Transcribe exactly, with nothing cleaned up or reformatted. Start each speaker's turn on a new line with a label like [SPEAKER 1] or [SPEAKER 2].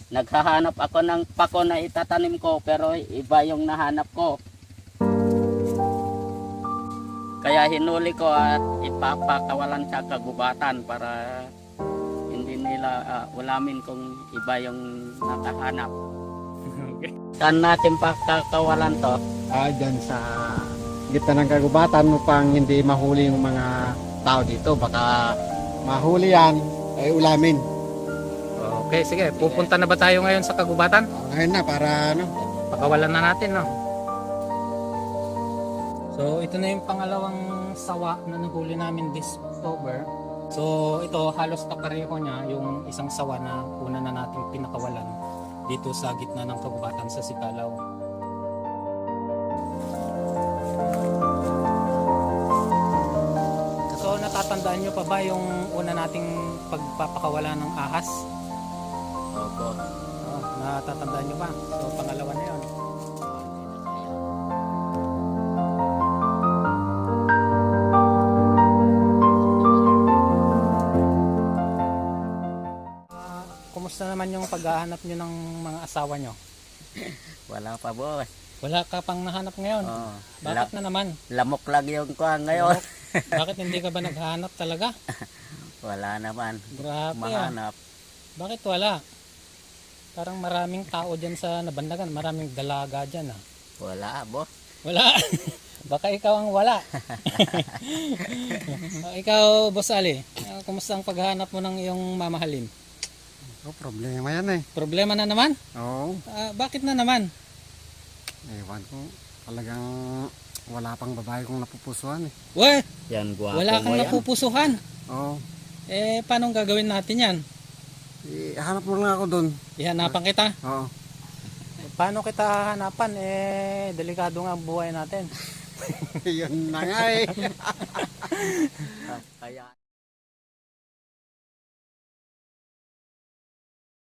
[SPEAKER 1] Naghahanap ako ng pako na itatanim ko pero iba yung nahanap ko. Kaya hinuli ko at ipapakawalan sa kagubatan para hindi nila uh, ulamin kung iba yung nakahanap.
[SPEAKER 2] Okay.
[SPEAKER 1] Saan natin pakakawalan to?
[SPEAKER 3] Ah, dyan sa gitna ng kagubatan upang hindi mahuli yung mga tao dito. Baka mahuli yan, ay ulamin.
[SPEAKER 2] Okay, sige. Pupunta na ba tayo ngayon sa kagubatan?
[SPEAKER 3] Ngayon na, para ano.
[SPEAKER 2] Pakawalan na natin, no? So, ito na yung pangalawang sawa na nahuli namin this October. So, ito halos kapareho niya yung isang sawa na una na nating pinakawalan dito sa gitna ng kagubatan sa Sicalaw. So, natatandaan nyo pa ba yung una nating pagpapakawala ng ahas?
[SPEAKER 1] Opo.
[SPEAKER 2] Oh, natatandaan nyo ba? So, pangalawa na yun. Uh, kumusta naman yung paghahanap nyo ng mga asawa nyo?
[SPEAKER 1] Wala pa, boss.
[SPEAKER 2] Wala ka pang nahanap ngayon?
[SPEAKER 1] Oh,
[SPEAKER 2] Bakit na naman?
[SPEAKER 1] lamok lang yung kuha ngayon.
[SPEAKER 2] Bakit hindi ka ba naghahanap talaga?
[SPEAKER 1] Wala naman.
[SPEAKER 2] Grabe ah.
[SPEAKER 1] Mahanap.
[SPEAKER 2] Bakit wala? Parang maraming tao dyan sa nabandagan. Maraming dalaga dyan ah.
[SPEAKER 1] Wala, boss.
[SPEAKER 2] Wala. Baka ikaw ang wala. Ikaw, Boss Ali, uh, kumusta ang paghahanap mo ng iyong mamahalin?
[SPEAKER 3] Oh, problema yan eh.
[SPEAKER 2] Problema na naman?
[SPEAKER 3] Oo.
[SPEAKER 2] Uh, bakit na naman?
[SPEAKER 3] Ewan ko. Talagang wala pang babae kong napupusuan eh.
[SPEAKER 2] Weh,
[SPEAKER 1] Yan, guwapo
[SPEAKER 2] wala
[SPEAKER 1] mo
[SPEAKER 2] kang
[SPEAKER 1] yan.
[SPEAKER 2] napupusuhan.
[SPEAKER 3] Oo.
[SPEAKER 2] Eh, paano gagawin natin yan?
[SPEAKER 3] Ihanap mo lang ako dun.
[SPEAKER 2] Ihanapan kita.
[SPEAKER 3] Oo.
[SPEAKER 2] Eh, paano kita hanapan? Eh, delikado nga ang buhay natin.
[SPEAKER 3] Yun na nga eh.
[SPEAKER 1] Kaya